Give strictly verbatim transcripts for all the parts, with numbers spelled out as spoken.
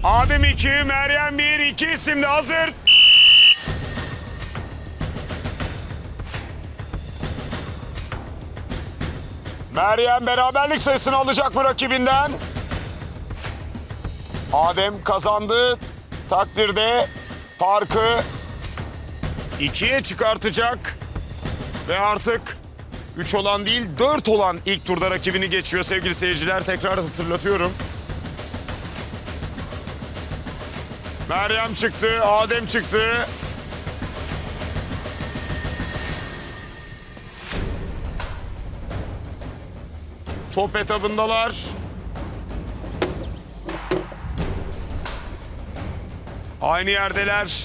Adem iki, Meryem bir, iki isimli hazır. Meryem beraberlik sayısını alacak mı rakibinden? Adem kazandı takdirde farkı ikiye çıkartacak. Ve artık üç olan değil dört olan ilk turda rakibini geçiyor sevgili seyirciler. Tekrar hatırlatıyorum. Meryem çıktı, Adem çıktı. Top etabındalar. Aynı yerdeler.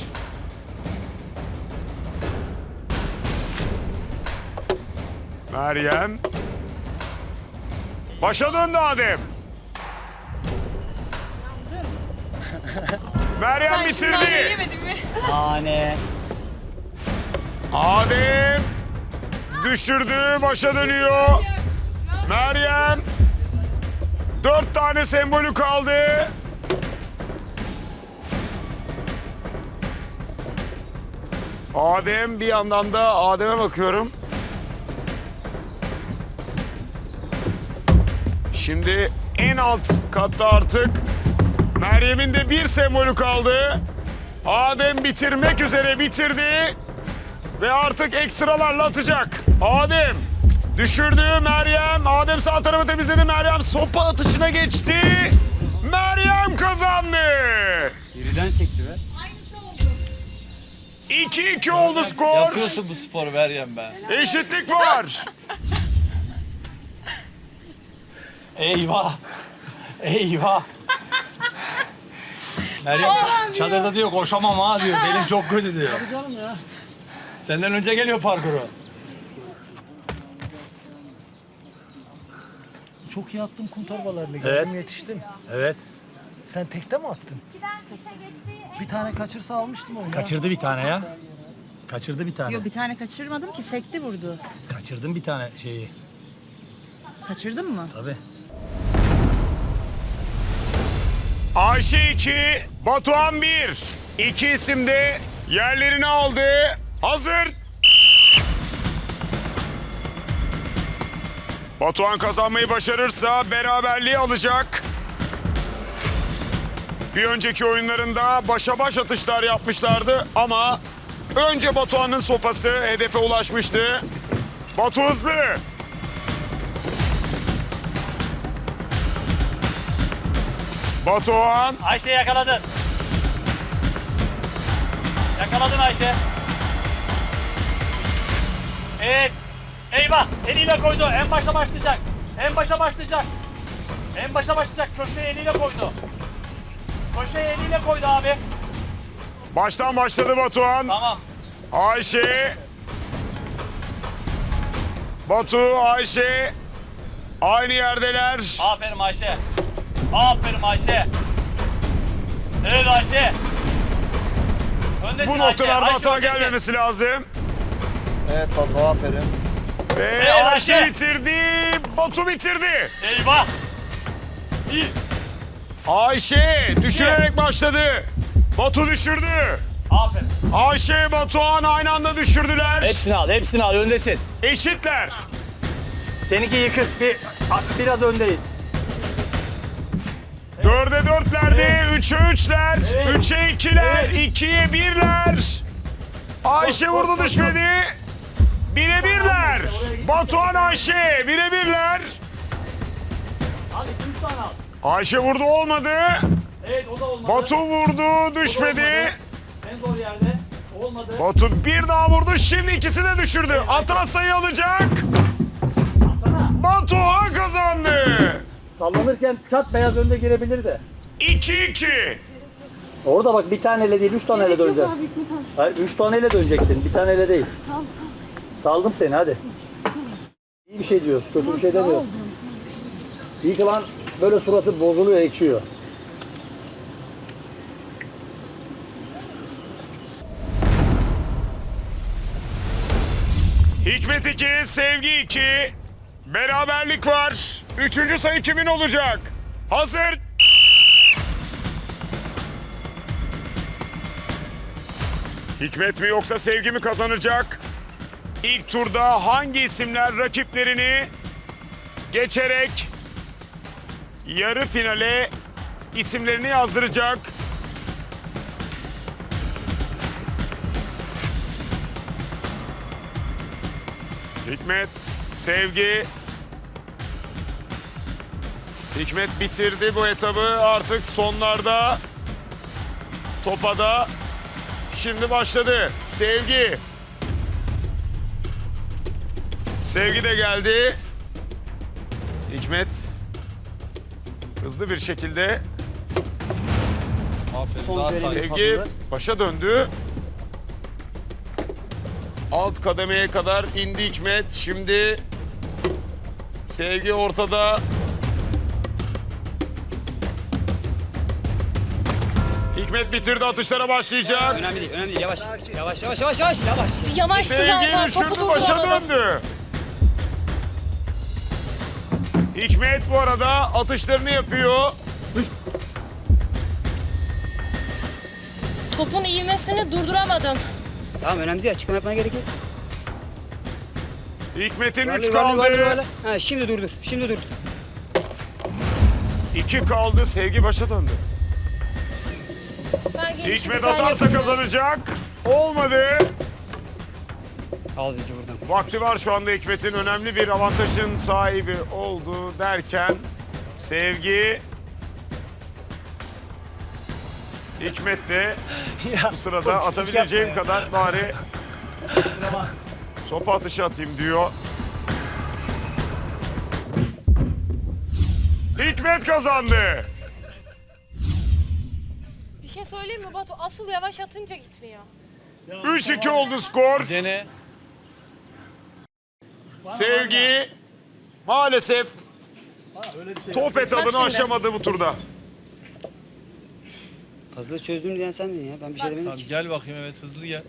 Meryem. Başa döndü Adem. Meryem Sen şundan bitirdi. yemedin mi? Hane. Adem düşürdü, başa dönüyor. Meryem dört tane sembolü kaldı. Adem bir yandan da Adem'e bakıyorum. Şimdi en alt katta artık Meryem'in de bir sembolü kaldı. Adem bitirmek üzere bitirdi. Ve artık ekstralarla atacak. Adem düşürdü Meryem. Adem sağ tarafı temizledi. Meryem sopa atışına geçti. Meryem kazandı. Birden sekti be. iki iki oldu skor. Yapıyorsun bu sporu Meryem be. Eşitlik var. Eyvah. Eyvah. Meryem çadırda diyor koşamam ha diyor. Belim çok kötü diyor. Tabii canım ya. Senden önce geliyor parkuru. Çok iyi attım kum torbalarını. Evet. Geldim yetiştim. Evet. Sen tekte mi attın? Bir tane kaçırsa almıştım onu. ya. Kaçırdı bir tane ya. Kaçırdı bir tane. Yok bir tane kaçırmadım ki sekti vurdu. Kaçırdım bir tane şeyi. Kaçırdın mı? Tabii. Ayşe iki, Batuhan bir. İki isim de yerlerini aldı. Hazır. Batuhan kazanmayı başarırsa beraberliği alacak. Bir önceki oyunlarında başa baş atışlar yapmışlardı ama önce Batuhan'ın sopası hedefe ulaşmıştı. Batu hızlı. Batuhan. Ayşe yakaladın. Yakaladın Ayşe. Evet. Eyvah. Eliyle koydu. En başa başlayacak. En başa başlayacak. En başa başlayacak. Köşeye eliyle koydu. Köşeye eliyle koydu abi. Baştan başladı Batuhan. Tamam. Ayşe. Batu, Ayşe. Aynı yerdeler. Aferin Ayşe. Aferin Ayşe. Evet Ayşe. Öndesin Bu noktalarda Ayşe. hata Ayşe öndesin. gelmemesi lazım. Evet Batu aferin. Ve Evet, Ayşe Ayşe. bitirdi. Batu bitirdi. Eyvah. İyi. Ayşe düşürerek başladı. Batu düşürdü. Aferin. Ayşe, Batuhan aynı anda düşürdüler. Hepsini al, hepsini al. Öndesin. Eşitler. Seninki yıkık. Bir, biraz öndeyiz. Dörde dörtlerdi, üçe üçler, Evet. üçe ikiler, Evet. ikiye birler. Ayşe vurdu düşmedi. Bire birler. Batuhan Ayşe bire birler. Hadi üç tane al. Ayşe vurdu olmadı. Evet o da olmadı. Batu vurdu düşmedi. En zor yerde. Olmadı. Batu bir daha vurdu, şimdi ikisi de düşürdü. Atan sayı alacak. Batuhan kazandı. Sallanırken çat beyaz önde girebilir de. iki iki. Orada bak bir taneyle değil, üç taneyle döneceksin. Hayır, üç taneyle dönecektin, bir taneyle değil. Tamam, tamam. Saldım seni, hadi. İyi bir şey diyoruz, kötü bir şey demiyoruz. İyi ki lan böyle suratı bozuluyor, ekşiyor. Hikmet iki, Sevgi iki. Beraberlik var. Üçüncü sayı kimin olacak? Hazır. Hikmet mi yoksa Sevgi mi kazanacak? İlk turda hangi isimler rakiplerini geçerek yarı finale isimlerini yazdıracak? Hikmet, Sevgi. Hikmet bitirdi bu etabı. Artık sonlarda. Topada. Şimdi başladı. Sevgi. Sevgi de geldi. Hikmet. Hızlı bir şekilde. Aferin, daha sakin. Sevgi başa döndü. Alt kademeye kadar indi Hikmet. Şimdi Sevgi ortada. Hikmet bitirdi, atışlara başlayacak. Önemli değil, önemli değil. Yavaş. Yavaş, yavaş, yavaş, yavaş, yavaş. Yavaştı Sevgi zaten. Topu düşürdü, başa durduramadım. döndü. Hikmet bu arada atışlarını yapıyor. Topun ivmesini durduramadım. Tamam, önemli değil. Açıklama yapmana gerek yok. Hikmet'in Varlı, üç varlı, varlı, kaldı. varlı. Ha, şimdi durdur, şimdi durdur. iki kaldı. Sevgi başa döndü. Ben gelişi Hikmet güzel atarsa yapıyorum. kazanacak. Olmadı. Al bizi buradan. Vakti var şu anda Hikmet'in önemli bir avantajın sahibi oldu derken Sevgi Hikmet de bu sırada atabileceğim kadar bari sopa atışı atayım diyor. Hikmet kazandı. Bir şey söyleyeyim mi Batu? Asıl yavaş atınca gitmiyor. üç iki oldu skor. Dene. Sevgi maalesef top etabını şimdi. aşamadı bu turda. Puzzle'ı çözdüm diyen sendin ya. Ben bir şey demedim Tamam, ki. gel bakayım, evet, hızlı gel.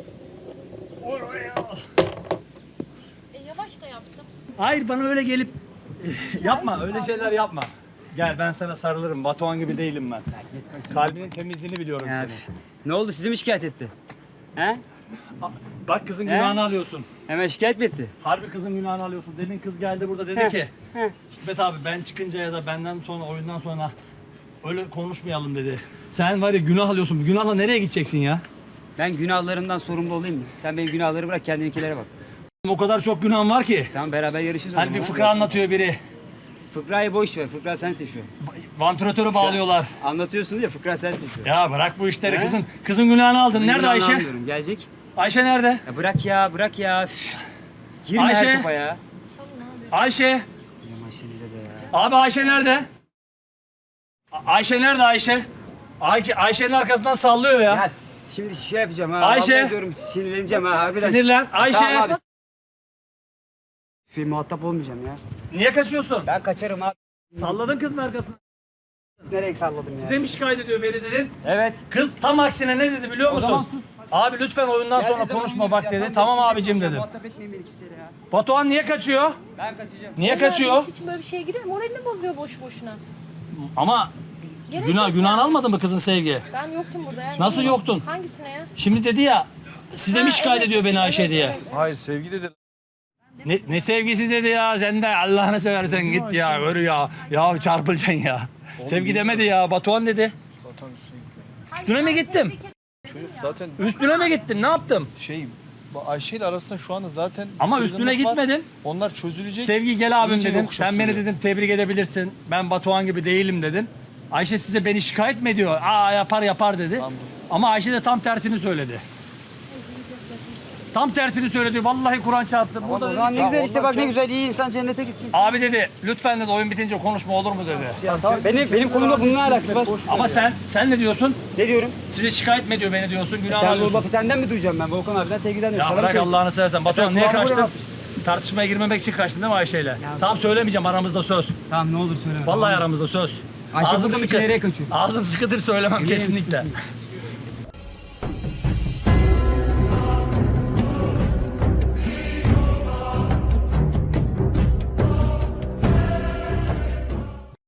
E yavaş da yaptım. Hayır bana öyle gelip yapma öyle şeyler yapma. Gel ben sana sarılırım. Batuhan gibi değilim ben. Kalbinin temizliğini biliyorum Ya, senin. ne oldu? Sizi mi şikayet etti? He? Bak kızın He? günahını alıyorsun. Hemen şikayet mi etti? Harbi kızın günahını alıyorsun. Demin kız geldi burada dedi Heh, ki heh. Hikmet abi ben çıkınca ya da benden sonra oyundan sonra öyle konuşmayalım dedi. Sen var ya günah alıyorsun. Günahla nereye gideceksin ya? Ben günahlarımdan sorumlu olayım mı? Sen benim günahları bırak, kendininkilere bak. O kadar çok günahım var ki. Tamam, beraber yarışırız o Hani zaman. bir fıkra anlatıyor biri. Fıkrayı boş ver. Fıkra sensin şu an. Vantilatörü bağlıyorlar. Anlatıyorsun ya, fıkra sensin şu an. Ya bırak bu işleri He? kızın. Kızın günahını aldın. Senin Nerede günahını Ayşe? almıyorum, gelecek. Ayşe nerede? Ya bırak ya, bırak ya. Üf. Girme Ayşe. her topa ya. Ayşe. Yavaş bize de ya. Abi Ayşe nerede? A- Ayşe nerede Ayşe? Ayşe Ayşe'nin arkasından sallıyor ya. Ya şimdi şey yapacağım ha. Ayşe. vallahi diyorum, sinirleneceğim ha harbiden. Sinirlen. Ayşe. Tamam abi. Film muhatap olmayacağım ya. Niye kaçıyorsun? Ben kaçarım abi. Salladın kızın arkasından. Nereye salladım ya? Size mi şikayet ediyor beni dedin? Evet. Kız tam aksine ne dedi biliyor O musun? zaman sus. Abi lütfen oyundan sonra Geldiği zaman konuşma bak oynayacağız dedi. ya. Tamam Tamam, abicim dedim. Muhatap etmeyin beni kimseyle ya. Batuhan niye kaçıyor? Ben kaçacağım. Niye kaçıyor? Hiç böyle bir şeye girer. Moralini bozuyor boş boşuna. Ama Gerek günah yok günah ya. almadın mı kızın Sevgi? Ben yoktum burada ya. Nasıl Niye? yoktun? Hangisine ya? Şimdi dedi ya size mi Ha, şikayet evet, ediyor beni Ayşe evet, diye? evet. Hayır, sevgi dedi. Ne, ne sevgisi dedi ya sen de Allah'ını seversen git ya öyle ya. Ya çarpılacaksın ya. Sevgi demedi ya Batuhan dedi. Zaten üstüne- Üstüne mi gittim? çocuk zaten Üstüne mi gittim ne yaptım? şey, Ayşe ile arasında şu anda zaten Ama kırgınlık üstüne var. gitmedim. Onlar çözülecek. Sevgi gel abim İyice dedim. yokuş Sen beni sürüyor. dedim tebrik edebilirsin. Ben Batuhan gibi değilim dedin. Ayşe size beni şikayet mi ediyor? Aa yapar yapar dedi. Tamam. Ama Ayşe de tam tersini söyledi. Tam tersini söyledi. Vallahi Kur'an çarptı. O Burada zaman dedi ne ki, güzel işte, bak ne güzel, iyi insan cennete gitsin. abi dedi lütfen dedi oyun bitince konuşma olur mu dedi. Ya, tamam. Benim benim konumda bunun ne alakası var? Ama sen sen ne diyorsun? Ne diyorum? Size şikayet mi ediyor beni diyorsun? Günah Sen bu alıyorsun. lafı senden mi duyacağım ben? Volkan abiden, sevgiden diyorum. Ya Sana mı bırak söyleyeyim? Allah'ını seversen. Batuhan sen niye kulağıma kaçtın? vurma. Tartışmaya girmemek için kaçtın değil mi Ayşe ile? Tamam söylemeyeceğim aramızda söz. Tamam, ne olur söyleme. Vallahi Tamam. aramızda söz. Ayşe Ağzım burada mı sıkı- ki, nereye kaçıyor? Ağzım sıkıdır söylemem kesinlikle.